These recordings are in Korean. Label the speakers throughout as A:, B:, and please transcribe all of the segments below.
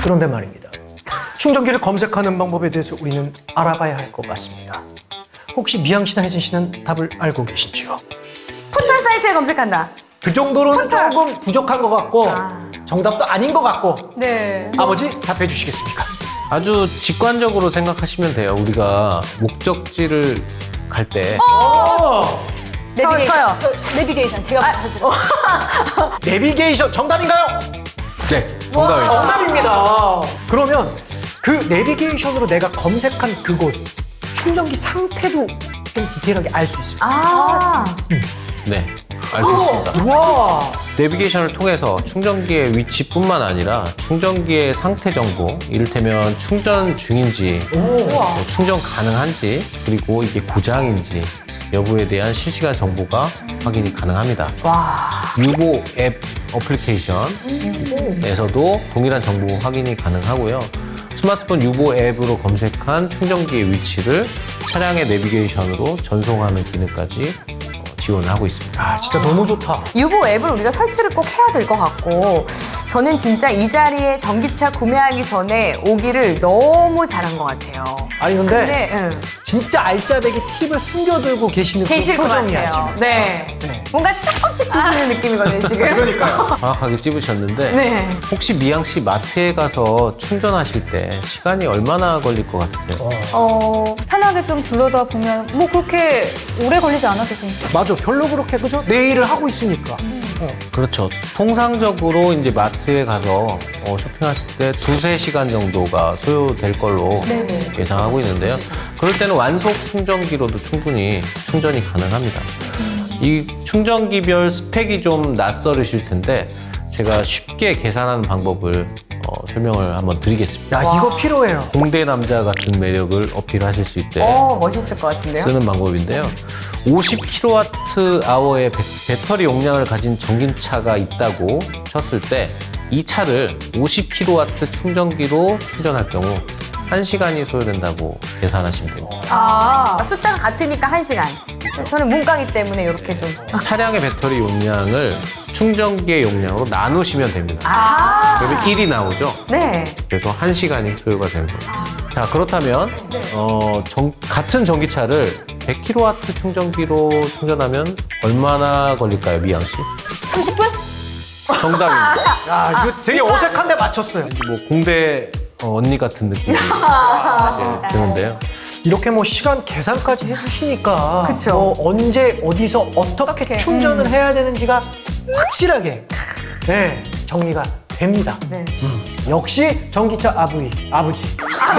A: 그런데 말입니다. 충전기를 검색하는 방법에 대해서 우리는 알아봐야 할 것 같습니다. 혹시 미양 씨나 혜진 씨는 답을 알고 계신지요?
B: 포털 사이트에 검색한다.
A: 그 정도로는
B: 포털.
A: 조금 부족한 것 같고 정답도 아닌 것 같고
C: 네.
A: 아버지 답해 주시겠습니까?
D: 아주 직관적으로 생각하시면 돼요. 우리가 목적지를 갈 때
B: 저요.
C: 내비게이션 제가 말해드릴게요.
A: 내비게이션 정답인가요?
D: 네, 정답입니다.
A: 정답입니다. 그러면 그 내비게이션으로 내가 검색한 그곳 충전기 상태도 좀 디테일하게 알 수 있을까요?
D: 네, 알 수 있습니다.
A: 우와.
D: 내비게이션을 통해서 충전기의 위치뿐만 아니라 충전기의 상태 정보, 이를테면 충전 중인지, 충전 가능한지, 그리고 이게 고장인지 여부에 대한 실시간 정보가 확인이 가능합니다. 유보 앱 어플리케이션에서도 동일한 정보 확인이 가능하고요. 스마트폰 유보 앱으로 검색한 충전기의 위치를 차량의 내비게이션으로 전송하는 기능까지 지원을 하고 있습니다.
A: 아, 진짜 너무 좋다.
B: 유보 앱을 우리가 설치를 꼭 해야 될 것 같고 저는 진짜 이 자리에 전기차 구매하기 전에 오기를 너무 잘한 것 같아요.
A: 아니 근데
B: 근데
A: 진짜 알짜배기 팁을 숨겨들고 계시는
B: 계실
A: 그
B: 것
A: 표정이야
B: 같아요.
A: 지금.
B: 네.
A: 네.
B: 뭔가 조금씩 주시는 느낌이거든요, 지금.
A: 그러니까요.
D: 정확하게 찝으셨는데
B: 네.
D: 혹시 미양 씨 마트에 가서 충전하실 때 시간이 얼마나 걸릴 것 같으세요?
C: 편하게 좀 둘러다 보면 뭐 그렇게 오래 걸리지 않아도 괜찮아요.
A: 맞아, 별로 그렇게 그죠? 내 일을 하고 있으니까.
D: 그렇죠. 통상적으로 이제 마트에 가서 쇼핑하실 때 2~3시간 정도가 소요될 걸로
C: 네네.
D: 예상하고 있는데요. 그럴 때는 완속 충전기로도 충분히 충전이 가능합니다. 이 충전기별 스펙이 좀 낯설으실 텐데 제가 쉽게 계산하는 방법을 설명을 한번 드리겠습니다.
A: 야, 이거 필요해요.
D: 공대 남자 같은 매력을 어필하실 수 있게
B: 멋있을 것 같은데요?
D: 쓰는 방법인데요. 50kWh의 배터리 용량을 가진 전기차가 있다고 쳤을 때 이 차를 50kW 충전기로 충전할 경우 1시간이 소요된다고 계산하시면 됩니다.
B: 숫자가 같으니까 1시간. 저는 문과기 때문에 이렇게 좀.
D: 차량의 배터리 용량을 충전기의 용량으로 나누시면 됩니다. 그러면 1이 나오죠.
B: 네.
D: 그래서 1시간이 소요가 되는 거예요. 자, 그렇다면 같은 전기차를 100kW 충전기로 충전하면 얼마나 걸릴까요, 미양 씨?
C: 30분?
D: 정답입니다.
A: 야, 이거 되게 어색한데 맞췄어요.
D: 왠지 뭐 공대 언니 같은 느낌이 드는데요.
A: 이렇게 뭐 시간 계산까지 해주시니까
B: 그쵸.
A: 뭐 언제 어디서 어떻게 충전을 해야 되는지가 확실하게 정리가 됩니다.
B: 네.
A: 역시 전기차 아버지.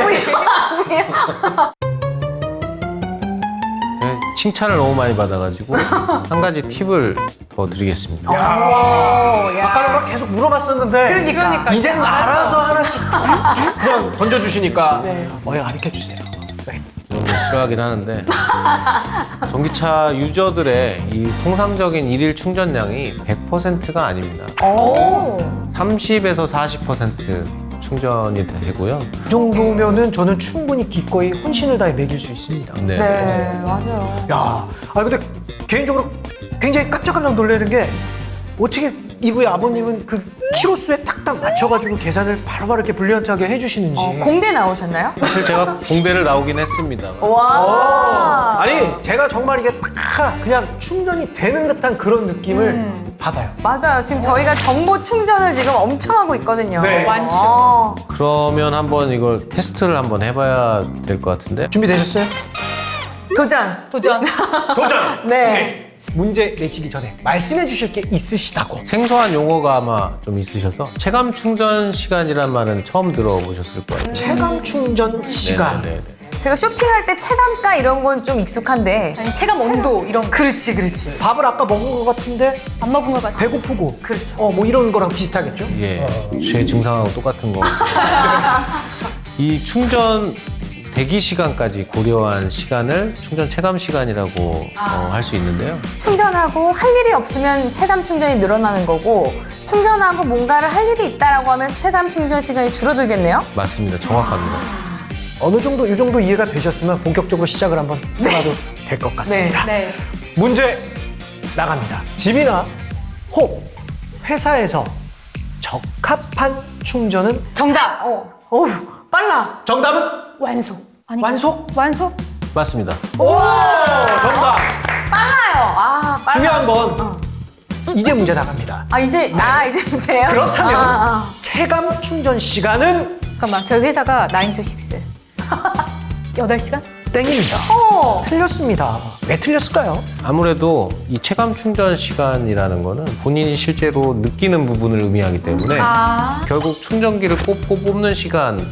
D: 네, 칭찬을 너무 많이 받아가지고 한 가지 팁을 더 드리겠습니다.
A: 아까는 막 계속 물어봤었는데
B: 그러니까.
A: 이제는 알아서 하나씩 그냥 던져주시니까 가르쳐주세요. 네.
D: 저는 싫어하긴 하는데 전기차 유저들의 이 통상적인 일일 충전량이 100%가 아닙니다. 30에서 40% 충전이 되고요.
A: 이 정도면은 저는 충분히 기꺼이 혼신을 다해 먹일 수 있습니다.
D: 네.
B: 네, 맞아요.
A: 야, 근데 개인적으로 굉장히 깜짝깜짝 놀라는 게 어떻게 이브의 아버님은 그 키로수에 딱딱 맞춰가지고 계산을 바로바로 이렇게 불리한하게 해주시는지.
B: 공대 나오셨나요?
D: 사실 제가 공대를 나오긴 했습니다.
B: 와.
A: 아니, 제가 정말 이게 딱 그냥 충전이 되는 듯한 그런 느낌을 받아요.
B: 맞아요. 지금 저희가 정보 충전을 지금 엄청 하고 있거든요.
A: 네.
B: 많죠.
D: 그러면 한번 이걸 테스트를 한번 해봐야 될 것 같은데.
A: 준비되셨어요?
B: 도전.
C: 도전.
A: 도전!
B: 네.
A: 문제 내시기 전에 말씀해 주실 게 있으시다고.
D: 생소한 용어가 아마 좀 있으셔서 체감 충전 시간이란 말은 처음 들어보셨을 거예요.
A: 체감 충전 시간.
D: 네네네.
B: 제가 쇼핑할 때 체감가 이런 건 좀 익숙한데.
C: 아니, 체감 온도 이런 거.
B: 그렇지.
A: 밥을 아까 먹은 것 같은데
C: 안 먹은 것 같아요.
A: 배고프고.
B: 그렇죠.
A: 뭐 이런 거랑 비슷하겠죠?
D: 예, 제 증상하고 똑같은 거. 이 충전 대기 시간까지 고려한 시간을 충전 체감 시간이라고 할 수 있는데요.
B: 충전하고 할 일이 없으면 체감 충전이 늘어나는 거고 충전하고 뭔가를 할 일이 있다라고 하면 체감 충전 시간이 줄어들겠네요?
D: 맞습니다. 정확합니다.
A: 어느 정도, 이 정도 이해가 되셨으면 본격적으로 시작을 한번 해봐도 될 것 같습니다.
C: 네.
A: 문제 나갑니다. 집이나 혹 회사에서 적합한 충전은
C: 정답.
B: 어우, 빨라.
A: 정답은
C: 완속. 아니,
A: 완속?
C: 완속?
D: 맞습니다.
A: 오 정답.
B: 빨라요. 아, 빨라.
A: 중요한 건 이제 문제 나갑니다.
B: 이제 문제예요?
A: 그렇다면 체감 충전 시간은
C: 잠깐만, 저희 회사가 9 to 6. 8시간?
A: 땡입니다. 틀렸습니다. 왜 틀렸을까요?
D: 아무래도 이 체감 충전 시간이라는 거는 본인이 실제로 느끼는 부분을 의미하기 때문에 결국 충전기를 꼽고 뽑는 시간만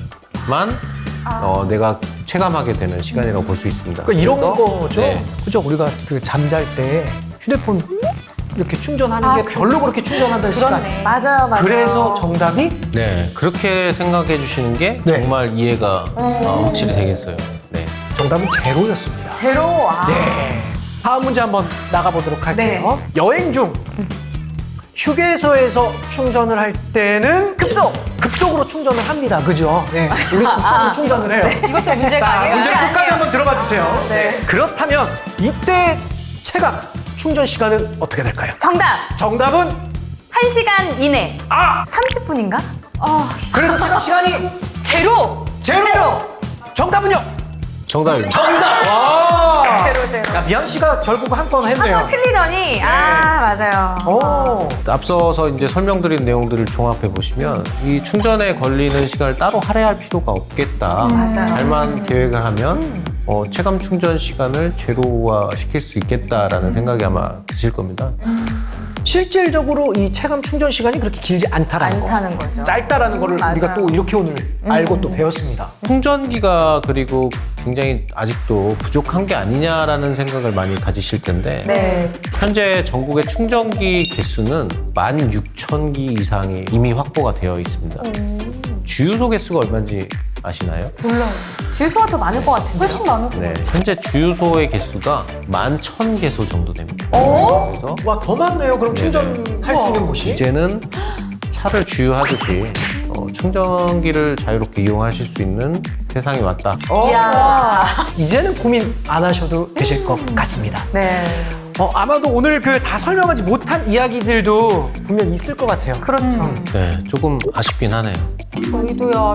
D: 내가 체감하게 되는 시간이라고 볼 수 있습니다.
A: 그러니까 이런
D: 그래서,
A: 거죠.
D: 네.
A: 그죠? 우리가 그 잠잘 때 휴대폰 이렇게 충전하는 게 별로 그렇게 충전한다는 시간.
C: 그렇네.
B: 맞아요.
A: 그래서 정답이
D: 네, 그렇게 생각해 주시는 게
A: 네.
D: 정말 이해가 확실히 되겠어요. 네.
A: 정답은 제로였습니다.
B: 제로.
A: 네. 다음 문제 한번 나가보도록 할게요. 여행 중 휴게소에서 충전을 할 때는 급속으로 충전을 합니다. 그죠? 네. 우리 급속으로 충전을 해요.
C: 이것도 문제가
A: 자,
C: 아니에요?
A: 문제 끝까지 한번 들어봐 주세요. 네. 그렇다면 이때 체감 충전 시간은 어떻게 될까요? 정답은
B: 1시간 이내. 30분인가?
A: 그래서 체감 시간이
C: 제로!
A: 제로. 정답은요?
D: 정답입니다.
A: 정답. 와.
B: 제로.
A: 야, 미양 씨가 결국 한 건 했네요.
B: 한번 틀리더니 맞아요.
A: 오.
D: 앞서서 이제 설명드린 내용들을 종합해 보시면 이 충전에 걸리는 시간을 따로 할애할 필요가 없겠다.
B: 맞아요.
D: 잘만 계획을 하면 체감 충전 시간을 제로화 시킬 수 있겠다라는 생각이 아마 드실 겁니다.
A: 실질적으로 이 체감 충전 시간이 그렇게 길지 않다라는
B: 않다는 거죠.
A: 짧다라는 거를
B: 맞아요.
A: 우리가 또 이렇게 오늘 알고 또 배웠습니다.
D: 충전기가 그리고 굉장히 아직도 부족한 게 아니냐라는 생각을 많이 가지실 텐데
B: 네.
D: 현재 전국의 충전기 개수는 16,000기 이상이 이미 확보가 되어 있습니다. 주유소 개수가 얼마인지 아시나요?
B: 주유소가 더 많을 것 같은데요?
C: 훨씬 많을 것
D: 네, 현재 주유소의 개수가 11,000개소 정도 됩니다. 그래서
A: 와, 더 많네요. 그럼 충전할 수 있는 곳이.
D: 이제는 차를 주유하듯이 충전기를 자유롭게 이용하실 수 있는 세상이 왔다.
A: 이제는 고민 안 하셔도 되실 것 같습니다.
B: 네.
A: 아마도 오늘 그 다 설명하지 못한 이야기들도 분명 있을 것 같아요.
B: 그렇죠.
D: 네, 조금 아쉽긴 하네요.
C: 저희도요.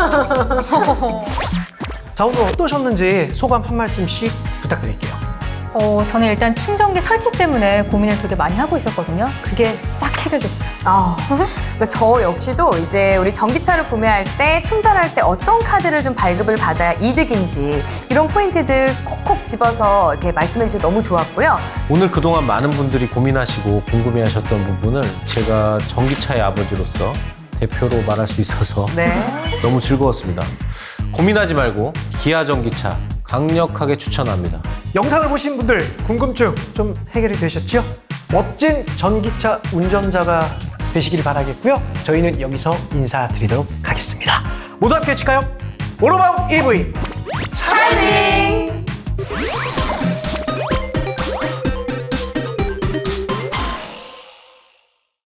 A: 자, 오늘 어떠셨는지 소감 한 말씀씩 부탁드릴게요.
C: 저는 일단 충전기 설치 때문에 고민을 되게 많이 하고 있었거든요. 그게 싹 해결됐어요.
B: 그러니까 저 역시도 이제 우리 전기차를 구매할 때 충전할 때 어떤 카드를 좀 발급을 받아야 이득인지 이런 포인트들 콕콕 집어서 이렇게 말씀해 주셔서 너무 좋았고요.
D: 오늘 그동안 많은 분들이 고민하시고 궁금해하셨던 부분을 제가 전기차의 아버지로서 대표로 말할 수 있어서
B: 네.
D: 너무 즐거웠습니다. 고민하지 말고 기아 전기차 강력하게 추천합니다.
A: 영상을 보신 분들 궁금증 좀 해결이 되셨죠? 멋진 전기차 운전자가 되시길 바라겠고요. 저희는 여기서 인사드리도록 하겠습니다. 모두 함께 외칠까요? 오로바운 EV
B: 차징!